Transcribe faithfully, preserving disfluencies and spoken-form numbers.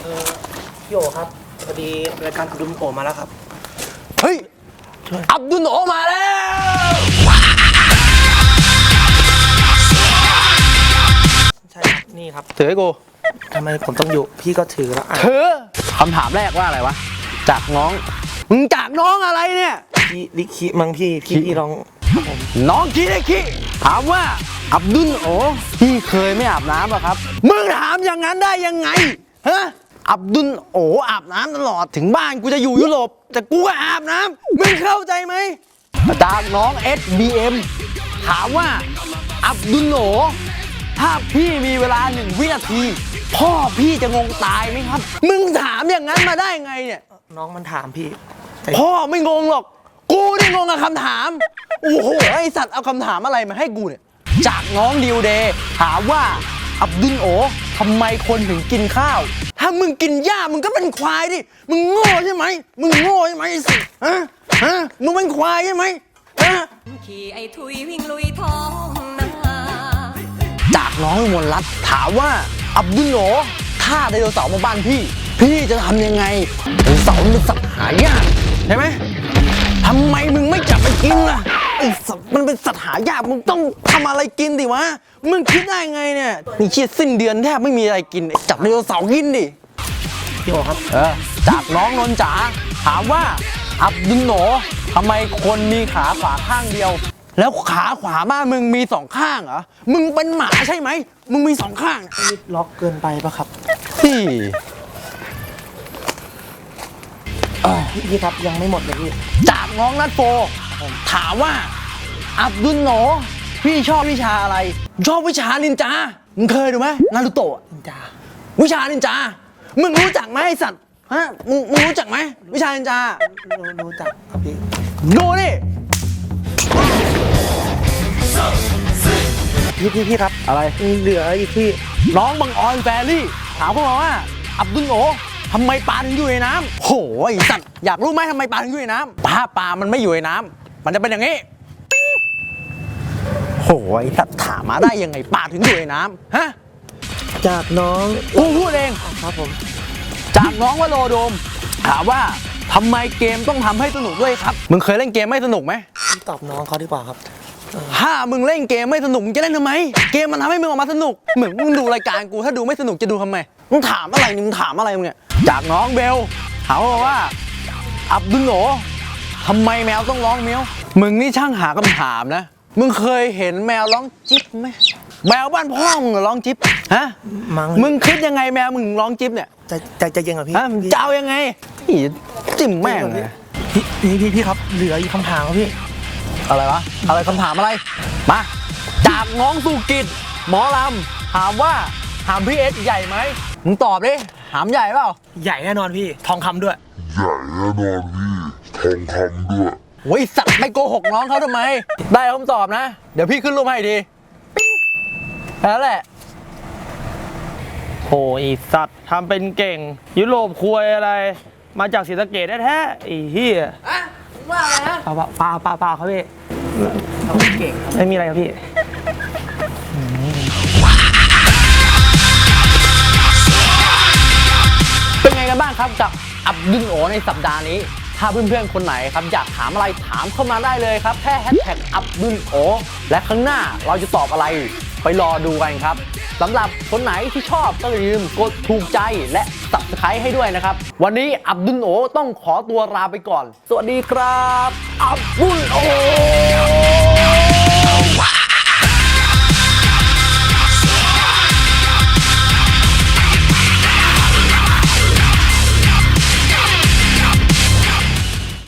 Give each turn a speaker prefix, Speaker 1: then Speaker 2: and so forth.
Speaker 1: อพี่โอครับพอดีรายการอับดุลโอมาแล้วครับ
Speaker 2: เฮ้ยอับดุลโอมาแล้ว
Speaker 1: ใช่ครับนี่ครับ
Speaker 2: ถือให้กู
Speaker 1: ทำไมผมต้องอยู่พี่ก็ถือแล้ว
Speaker 2: ถือคำถามแรกว่าอะไรวะจากน้องมึงจากน้องอะไรเนี่ย
Speaker 1: พี่ลิคิมังพี่พี่พี่ลอง
Speaker 2: น้องคิได้คิถามว่าอับดุลโอพี่เคยไม่อาบน้ำหรอครับมึงถามอย่างนั้นได้ยังไงฮะอับดุลโออาบน้ำตลอดถึงบ้านกูจะอยู่ยุโรปแต่กูก็อาบน้ำมึงเข้าใจไหมจากน้อง เอส บี เอ็ม ถามว่าอับดุลโอถ้าพี่มีเวลาหนึ่งวินาทีพ่อพี่จะงงตายไหมครับมึงถามอย่างนั้นมาได้ไงเนี่ย
Speaker 1: น้องมันถามพี่
Speaker 2: พ่อไม่งงหรอกกูนี่งงกับคำถามโอ้โหไอสัตว์เอาคำถามอะไรมาให้กูเนี่ยจากน้องดิวเดย์ถามว่าอับดุลโอทำไมคนถึงกินข้าวถ้ามึงกินหญ้ามึงก็เป็นควายดิมึงโง่ใช่ไหมมึงโง่ใช่ไหมไอสัตว์ฮะฮะมึงเป็นควายใช่ไหมฮะขี่ไอทุยวิ่งลุยท้องนาจากน้องมนรัตน์ถามว่าอับดุลโอถ้าไดโนเสาร์มาบ้านพี่พี่จะทำยังไงไดโนเสาร์มันเป็นสัตว์หายากใช่ไหมทำไมมึงไม่จับไปกินล่ะไอ้สัตว์มันเป็นสัตว์หายากมึงต้องทำอะไรกินดิวะมึงคิดได้ไงเนี่ยนี่ชีดสิ้นเดือนแทบไม่มีอะไรกินจับไดโนเสาร์กินดิ
Speaker 1: พี่โอครับ
Speaker 2: เออจากน้องนนจ๋าถามว่าอับดุลโอทำไมคนมีขาขวาข้างเดียวแล้วขาขวาบ้านมึงมีสองข้างเหรอมึงเป็นหมาใช่ไหมมึงมีสองข้าง
Speaker 1: ล็อกเกินไปปะครับ
Speaker 2: พี่
Speaker 1: พี่ครับยังไม่หมดเลยพี่
Speaker 2: จากน้องนัทโฟถามว่าอับดุลโอพี่ชอบวิชาอะไรชอบวิชานินจามึงเคยดูไหมนารูโตะ
Speaker 1: นินจา
Speaker 2: วิชานินจามึงรู้จักไหมไอสัตว์ฮะมึงมึงรู้จักไหมวิชานินจา
Speaker 1: รู้จักครับพี่
Speaker 2: ดูนี่
Speaker 1: พี่พี่พี่ครับ
Speaker 2: อะไร
Speaker 1: เหลืออีกพี่
Speaker 2: น้องบังออนแฟรี่ถามพวกเราว่าอับดุลโอทำไมปลาถึงอยู่ในน้ำโหไอ้สัตว์อยากรู้ไหมทำไมปลาถึงอยู่ในน้ำปลาปลามันไม่อยู่ในน้ำมันจะเป็นอย่างนี้โหไอ้สัตว์ถามมาได้ยังไงปลาถึงอยู่ในน้ำฮะ
Speaker 1: จากน้อง
Speaker 2: กูพูดเอง
Speaker 1: ครับผม
Speaker 2: จากน้องวโรโดมถามว่าทำไมเกมต้องทำให้สนุกด้วยครับมึงเคยเล่นเกมไม่สนุกไหม
Speaker 1: ตอบน้องเขาดีกว่าครับ
Speaker 2: ถ้ามึงเล่นเกมไม่สนุกมึงจะเล่นทำไมเกมมันทำให้มึงออกมาสนุกเหมือนมึงดูรายการกูถ้าดูไม่สนุกจะดูทำไมมึงถามอะไรนี่มึงถามอะไรมึงเนี่ยจากน้องเบลถามว่าอับดุลโอทำไมแมวต้องร้องเมียวมึงนี่ช่างหาคำถามนะมึงเคยเห็นแมวร้องจิ๊บไหมแมวบ้านพ่อมึงร้องจิ๊บฮะมึงคิดยังไงแมวมึงร้องจิ๊บเนี่ย
Speaker 1: จะจะจะยังไงพี่
Speaker 2: เจ้ายังไงจิ้มแม่งเลย
Speaker 1: พี่พี่พี่ครับเหลืออีกคำถามครับพี่
Speaker 2: อะไรวะอะไรคำถามอะไรมาจากน้องสุกิจหมอลำถามว่าถามพี่เอสใหญ่ไหมมึงตอบดิถามใหญ่เปล่า
Speaker 1: ใหญ่แน่นอนพี่ทองคำด้วย
Speaker 3: ใหญ่แน่นอนพี่ทองคำด้วย
Speaker 2: โอ้ยสัตว์ไม่โกหกน้องเขาทำไมได้คำตอบนะเดี๋ยวพี่ขึ้นรูปให้ดีปิ๊งแล้วแหละ
Speaker 4: โหอีสัตว์ทำเป็นเก่งยุโรปคุยอะไรมาจากศรีสะเกษแท้ๆไอ้เหี้ย
Speaker 2: อะว่าอะไรฮะ
Speaker 4: ปลาปลาปลาปลาครับพี่
Speaker 1: ทำเก่ง
Speaker 4: ไม่มีอะไรครับพี่
Speaker 2: เป็นไงกันบ้างครับกับอับดุลโอในสัปดาห์นี้ถ้าเพื่อนๆคนไหนครับอยากถามอะไรถามเข้ามาได้เลยครับแค่แฮชแท็กอับดุลโอและข้างหน้าเราจะตอบอะไรไปรอดูกันครับสำหรับคนไหนที่ชอบก็อย่าลืมกดถูกใจและ ซับสไครบ์ ให้ด้วยนะครับวันนี้อับดุลโอต้องขอตัวลาไปก่อนสวัสดีครับอับดุลโอ